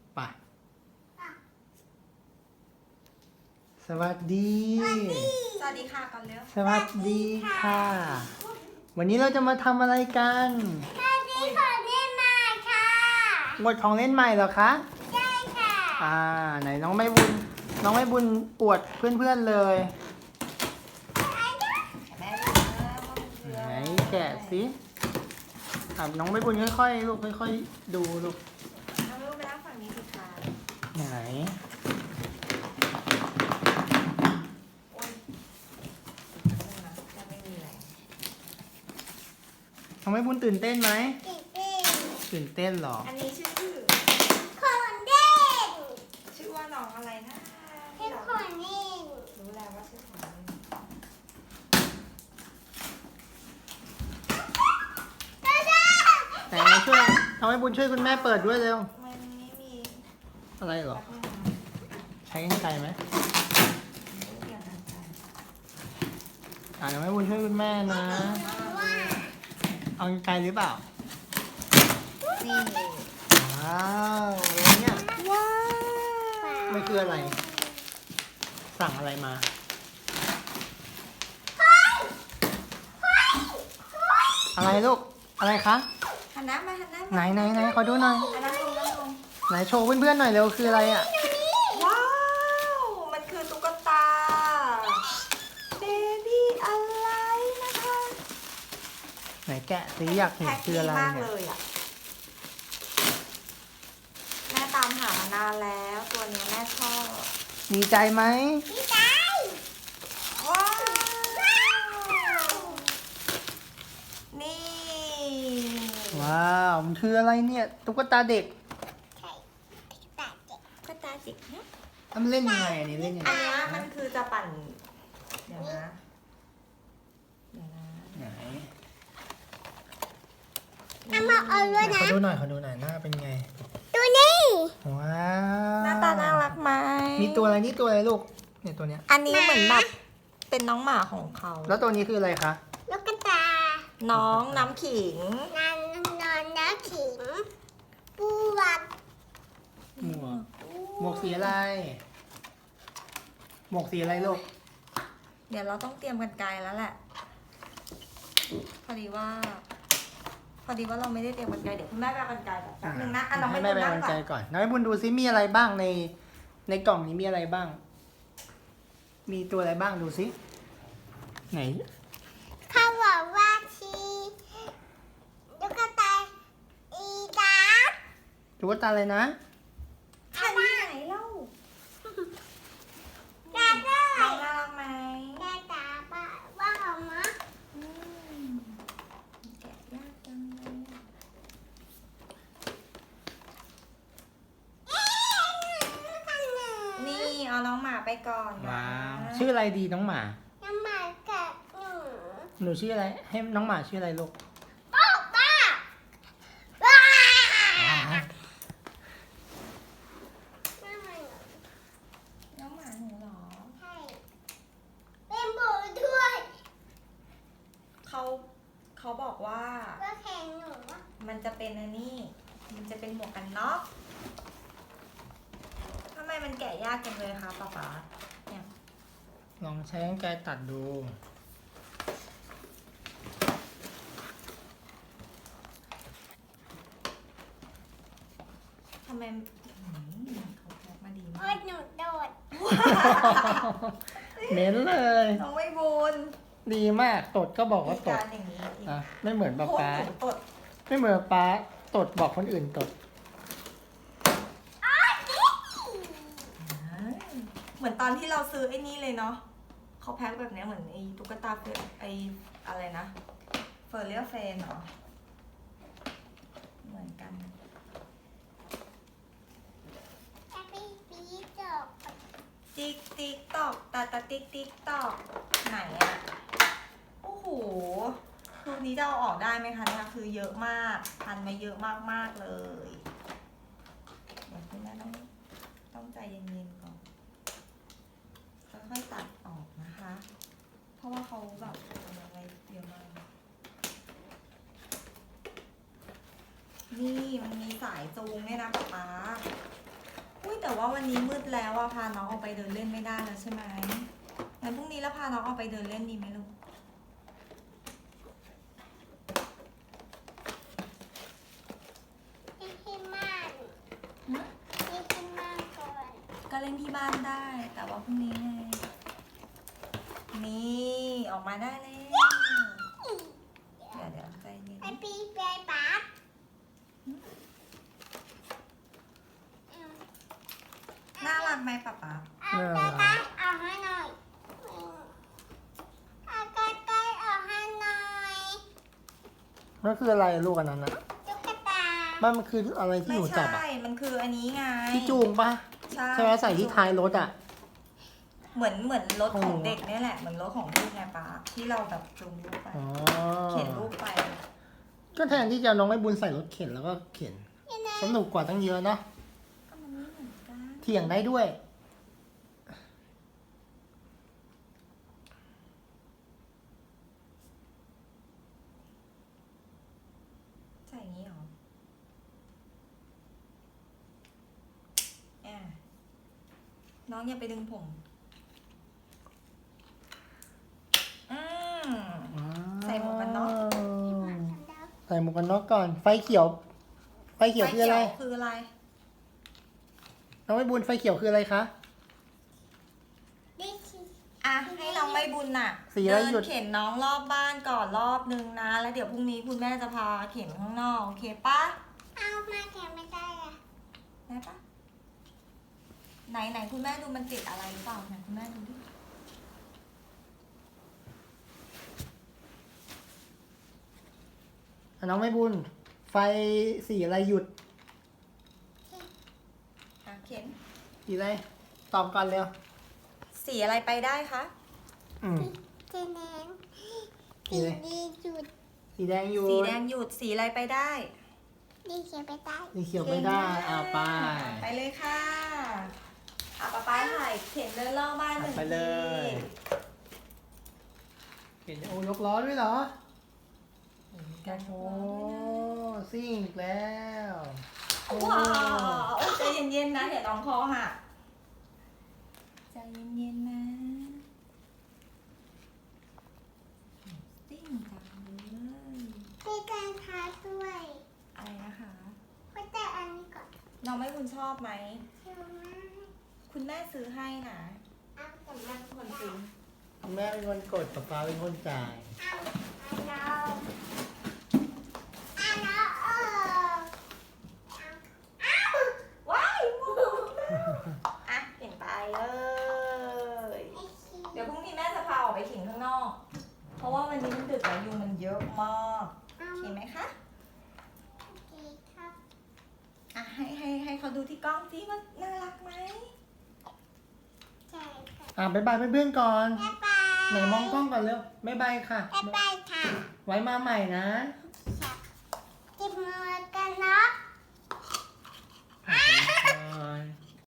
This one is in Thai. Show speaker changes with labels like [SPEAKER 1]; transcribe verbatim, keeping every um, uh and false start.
[SPEAKER 1] ไปสวัสดี
[SPEAKER 2] สวัสดีค่ะก่อนเร็ว
[SPEAKER 1] สวัสดีค่ะ วันนี้เราจะมาทำอะไรกัน
[SPEAKER 3] สวัสดีของเล่นใหม่ค่ะ
[SPEAKER 1] หมดของเล่นใหม่เหรอคะ
[SPEAKER 3] ใช่ค่ะ
[SPEAKER 1] อ่า ไหนน้องไม่บุญ น้องไม่บุญอวดเพื่อนๆเลย
[SPEAKER 2] แม่ดูนะว่ามันคือ
[SPEAKER 1] ไหน
[SPEAKER 2] อะไร
[SPEAKER 1] แกะสิอ่ะน้องไม่บุญค่อยๆลูกค่อยๆดูลูก
[SPEAKER 2] เอาลูกไปนั่งฝั่งนี้สิคะ
[SPEAKER 1] ไหน
[SPEAKER 2] โอ๊ยจะไม่มีแรง
[SPEAKER 1] น้องไม่บุญตื่นเต้นไหม
[SPEAKER 3] ติดติด
[SPEAKER 1] ตื่นเต้นเหรอ
[SPEAKER 2] อันนี้ชื่อ
[SPEAKER 3] ของเล่น
[SPEAKER 2] ชื่อว่าน้องอะไรนะ
[SPEAKER 3] เป็นของเล่น
[SPEAKER 2] รู้แล้วว่าชื่อของอะไร
[SPEAKER 3] ก็ได้
[SPEAKER 1] ไหนช่วยน้องไม่บุญช่วยคุณแม่เปิดด้วยเร็ว
[SPEAKER 2] มันไม่มี
[SPEAKER 1] อะไรเหรอ
[SPEAKER 2] แป๊บนึงนะ
[SPEAKER 1] ใช้กรรไกรไหม
[SPEAKER 2] ไม่เกี่ยวกันค่ะ
[SPEAKER 1] อ่าน้องไม่บุญช่วยคุณแม่นะ
[SPEAKER 3] ว่า
[SPEAKER 1] เอากรรไกรหรือเปล่า
[SPEAKER 2] นี่
[SPEAKER 1] ว้าวอะไรเนี่ย
[SPEAKER 2] ว้าว
[SPEAKER 1] มันคืออะไร สั่งอะไรมา อะไรลูก อะไรคะ
[SPEAKER 2] หันหน้ามาหันหน้า
[SPEAKER 1] ไหน
[SPEAKER 2] มา
[SPEAKER 1] ไหนไหนขอดูหน่อย
[SPEAKER 2] อันนั้นลงนั่นลง
[SPEAKER 1] ไหนโชว์เพื่อนๆหน่อยเร็วคืออะไรอ่ะ
[SPEAKER 2] ว้าว มันคือตุ๊กตา เบบี้อะไรนะคะ
[SPEAKER 1] ไหนแกะสิอยากเห็น
[SPEAKER 2] แพ็ค
[SPEAKER 1] คือ
[SPEAKER 2] ดี
[SPEAKER 1] อะไร
[SPEAKER 2] มาก
[SPEAKER 1] เนี่ย
[SPEAKER 2] เลยอ่ะ แม่ตามหามานานแล้ว ตัวนี้แม่ชอบ
[SPEAKER 1] ดีใจไหม
[SPEAKER 3] พี่ใจ
[SPEAKER 2] ว้าว นี่
[SPEAKER 1] ว้าวมันคืออะไรเนี่ยตุ๊กตาเด็ก
[SPEAKER 3] ใช่ตัดเจ็บ
[SPEAKER 2] ตุ๊กตาจิกนะ
[SPEAKER 1] อ่ะมันเล่นยังไงอันนี้เล่นยังไง
[SPEAKER 2] อันเนี้ยมันคือจะปั่น เดี๋ยวนะ เดี๋ยวนะ
[SPEAKER 1] ไหน
[SPEAKER 3] เอามาเอาด้วย
[SPEAKER 1] ข
[SPEAKER 3] นะ
[SPEAKER 1] อดูหน่อยขอดูหน่อยหน้าเป็นไง
[SPEAKER 3] ตัวนี้
[SPEAKER 1] ว้าว
[SPEAKER 2] หน้าตาน่ารักไหม
[SPEAKER 1] มีตัวอะไรนี่ตัวอะไรลูกเนี่ยตัวเนี้ย
[SPEAKER 2] อันนี้เหมือนแบบเป็นน้องหมาของเขา
[SPEAKER 1] แล้วตัวนี้คืออะไรคะ
[SPEAKER 3] ลูกกระตา
[SPEAKER 2] น้องน้ำขิง
[SPEAKER 3] นอนนอนน้ำขิงปูวัด
[SPEAKER 1] หมวกหมวกสีอะไร หมวกสีอะไรลูก
[SPEAKER 2] เดี๋ยวเราต้องเตรียมกันไกลแล้วแหละ พอดีว่า พอดีว่าเราไม่ได้เตรียมกันไกลเดี๋ยวคุณแม่ไปเอากันไกลแบบแป๊บนึงนะอ่ะน้อง
[SPEAKER 1] ให้
[SPEAKER 2] ไม่
[SPEAKER 1] แม่
[SPEAKER 2] ต้อง
[SPEAKER 1] ไป
[SPEAKER 2] นั่ง
[SPEAKER 1] เอา
[SPEAKER 2] ก่
[SPEAKER 1] ใจ
[SPEAKER 2] อน
[SPEAKER 1] ก่อนน้องให้บุญดูซิมีอะไรบ้างใน ในกล่องนี้มีอะไรบ้าง มีตัวอะไรบ้างดูซิไหน
[SPEAKER 3] เขาบอกว่าชีลูกกระตายอีดา
[SPEAKER 1] ตุ๊กตาอะไรนะ
[SPEAKER 2] ทันที่ไหนเล่า
[SPEAKER 3] กระตา
[SPEAKER 2] น้องน่ารักไหม
[SPEAKER 3] กระตาบ้าว่าออกมา
[SPEAKER 2] อืมแกะยากจังเลยอะ
[SPEAKER 3] เอ๊ะข้างหนึ่ง
[SPEAKER 2] นี่เอาน้องหมาไปก่อนนะ
[SPEAKER 1] ว้าวชื่ออะไรดีน้องหมา
[SPEAKER 3] น้ำหมากับหนู
[SPEAKER 1] หนูชื่ออะไร ให้น้องหมาชื่ออะไรลูก
[SPEAKER 3] ป้าป้าว้าน้ำหมาหนู
[SPEAKER 2] น้องหมาหนูเหรอ
[SPEAKER 3] ใช่เป็นโบด้วย
[SPEAKER 2] เขาเขาบอกว่า
[SPEAKER 3] ว่าแข่งหนูอะ
[SPEAKER 2] มันจะเป็นอันนี้ มันจะเป็นหมวกกันน็อกทำไมมันแกะยากจังเลยคะป๊าป๊าเนี่ย
[SPEAKER 1] ลองใช้กรรไกรตัดดู
[SPEAKER 2] ทำไมอืมเขาแพ็คมาดี
[SPEAKER 3] โอ้
[SPEAKER 2] มาย ก
[SPEAKER 3] หนูโดด
[SPEAKER 1] เน้นเลย
[SPEAKER 2] น้องไม่บุญ
[SPEAKER 1] ดีมากตดก็บอกว่า
[SPEAKER 2] มี
[SPEAKER 1] ต
[SPEAKER 2] กา
[SPEAKER 1] ด
[SPEAKER 2] รอย่างนี้อีก
[SPEAKER 1] อ่ะไม่เหมือนป๊า
[SPEAKER 2] โคตร
[SPEAKER 1] ป๊า
[SPEAKER 2] หนูตด
[SPEAKER 1] ไม่เหมือนป๊าตดบอกคนอื่นตด
[SPEAKER 2] เหมือนตอนที่เราซื้อไอ้นี่เลยเนาะเขาแพ็คแบบเนี้ยเหมือนไอ้ตุ๊กตาเฟไอ้อะไรนะเฟอร์เรียเฟนเหรอเหมือนกัน
[SPEAKER 3] แอบปีปีจบ
[SPEAKER 2] ติ๊กติ๊กตอกตาตาติ๊กติ๊กตอกไหนอะโอ้โหรูปนี้จะเอาออกได้ไหมคะเนี่ยคือเยอะมากพันมาเยอะมากมากๆเลยเดี๋ยวคุณแม่ต้องต้องใจเย็นๆก่อนค่อยๆตัดออกนะคะ เพราะว่าเขาแบบทำอะไรเยอะมากนี่มันมีสายจูงเนี่ยนะป๊าป๊าแต่ว่าวันนี้มืดแล้วอะพาน้องออกไปเดินเล่นไม่ได้แล้วใช่ไหมงั้นพรุ่งนี้แล้วพาน้องออกไปเดินเล่นดีไหมลูก
[SPEAKER 3] ที่ที่ม่าน
[SPEAKER 2] หึ
[SPEAKER 3] ที่ที่ม่านก่อน
[SPEAKER 2] ก็เล่นที่บ้านได้ แต่ว่าพรุ่งนี้ไงนี่ออกมาได้เลยเดี๋ยวเดี๋ยวใจเย็น
[SPEAKER 3] ไอปีเปย์ปั๊บ
[SPEAKER 2] น่ารักไหมป๊าป๊า
[SPEAKER 3] เอาใกล้ๆออกให้หน่อยเอาใกล้ๆออกให้หน่อย
[SPEAKER 1] นั่นคืออะไรลูกอันนั้นอะ
[SPEAKER 3] ตุ๊กตา
[SPEAKER 1] มันมันคืออะไรที่
[SPEAKER 2] ไม่
[SPEAKER 1] หนูจับ
[SPEAKER 2] ใช่
[SPEAKER 1] อะ
[SPEAKER 2] มันคืออันนี้ไง
[SPEAKER 1] ที่จูงปะ
[SPEAKER 2] ใช่
[SPEAKER 1] ใช่ไหมใส่ที่ท้ายรถอะ
[SPEAKER 2] เหมือนเหมือนรถ
[SPEAKER 1] ของ
[SPEAKER 2] ข
[SPEAKER 1] หนู
[SPEAKER 2] องเด็กเนี่ยแหละ เหมือนรถของลูกไงป๊าที่เราแบบจูงลูกไป
[SPEAKER 1] อ๋อ
[SPEAKER 2] เข็นลูกไป
[SPEAKER 1] ก็แทนที่จะเอาน้องไม่บุญใส่รถเข็นแล้วก็เข็น
[SPEAKER 3] ยังไง
[SPEAKER 1] สนุกกว่าตั้งเยอะเนาะ
[SPEAKER 2] ก็มันไม่เหมือนกัน
[SPEAKER 1] เถียงได้ด้วย
[SPEAKER 2] ใส่อย่างนี้เหรอแอะน้องอย่าไปดึงผม อืม ใส่หมวกกันน็อก
[SPEAKER 1] ใส่หมวกกันน็อกก่อน ไฟเขียว ไฟเขียวคืออะไร
[SPEAKER 2] ฟคืออะไร
[SPEAKER 1] น้องไม่บุญไฟเขียวคืออะไรคะ
[SPEAKER 3] นี่คือ
[SPEAKER 2] อ่ะ ให้น้องใบบุญน่ะ
[SPEAKER 1] สีอะไร
[SPEAKER 2] เดิน
[SPEAKER 1] หยุด
[SPEAKER 2] เข็นน้องรอบบ้านก่อนรอบนึงนะ แล้วเดี๋ยวพรุ่งนี้คุณแม่จะพาเข็นข้างนอก โอเคปะ
[SPEAKER 3] เอามาแกะไม่ได้อะ
[SPEAKER 2] ได้ปะไหนไหนคุณแม่ดูมันติดอะไรหรือเปล่าไหนคุณแม่ดูดิ
[SPEAKER 1] อ่ะน้องไม่บุญ ไฟสีอะไรหยุด
[SPEAKER 2] อ่ะเข็น
[SPEAKER 1] สีอะไร ตอบก่อนเร็ว
[SPEAKER 2] สีอะไรไปได้คะ
[SPEAKER 1] อืม
[SPEAKER 3] สีแดง
[SPEAKER 1] สี
[SPEAKER 3] สี
[SPEAKER 1] อะไร
[SPEAKER 3] ดีจุด
[SPEAKER 1] สีแดงหยุด
[SPEAKER 2] สีแดงหยุด สีอะไรไปได้
[SPEAKER 3] ดีเขียวไปได้
[SPEAKER 1] สีเขียวไม่ได้อ่าไป
[SPEAKER 2] ไปเลยค่ะอ่ะป๊าป๊าถ่ายเข็นเดินรอบบ้านหนึ่ง
[SPEAKER 1] ไปเลย
[SPEAKER 2] ที
[SPEAKER 1] เห็นโอ้ยกล้อด้วยเหรอ
[SPEAKER 2] มีการยก
[SPEAKER 1] โอ้
[SPEAKER 2] ล้อด้วยนะ
[SPEAKER 1] ซิ่งอีกแล้วโอ้
[SPEAKER 2] ว้าวใจเย็นๆนะเดี๋ยวน้องคอหักใจเย็นๆนะซิ่งจังเลย
[SPEAKER 3] มีการทาด้วย
[SPEAKER 2] อะไรนะคะ
[SPEAKER 3] ก็แต่อันนี้ก่อน
[SPEAKER 2] น้องไม่คุณชอบไหม
[SPEAKER 3] เชื่อมาก
[SPEAKER 2] คุณแม่ซื้อให้นะ
[SPEAKER 3] เอาแต่มา
[SPEAKER 2] ค
[SPEAKER 3] คน
[SPEAKER 2] น
[SPEAKER 3] ซื้
[SPEAKER 2] ซื้
[SPEAKER 3] อ
[SPEAKER 2] อ
[SPEAKER 1] แม่เป็นคนกดป๊าป๊าเป็นคนจ่าย
[SPEAKER 3] เอาอันเราอันเราเออเอา
[SPEAKER 2] ว้ายหมดอ่ะเปลี่ยนไปเลย
[SPEAKER 3] ไอ้ชี
[SPEAKER 2] เดี๋ยวพรุ่งนี้แม่จะพาออกไปขิงข้างนอก เพราะว่าวันนี้มันดึกแล้วยุงมันเยอะมาก
[SPEAKER 3] เอา
[SPEAKER 2] โอเคไหมคะ
[SPEAKER 3] โอเคครับ
[SPEAKER 2] อ่ะให้ให้ให้เขาดูที่กล้องที่ว่าน่ารักไหม
[SPEAKER 3] ใช่ค่ะ
[SPEAKER 1] อ่ะบ๊ายบายเพื่อนๆก่อน
[SPEAKER 3] บ๊ายบาย
[SPEAKER 1] ไหนมองกล้องก่อนเร็วบ๊ายบายค่ะ
[SPEAKER 3] บ๊ายบายค่ะ
[SPEAKER 1] ไว้มาใหม่นะ
[SPEAKER 3] จิบมือกันเนาะ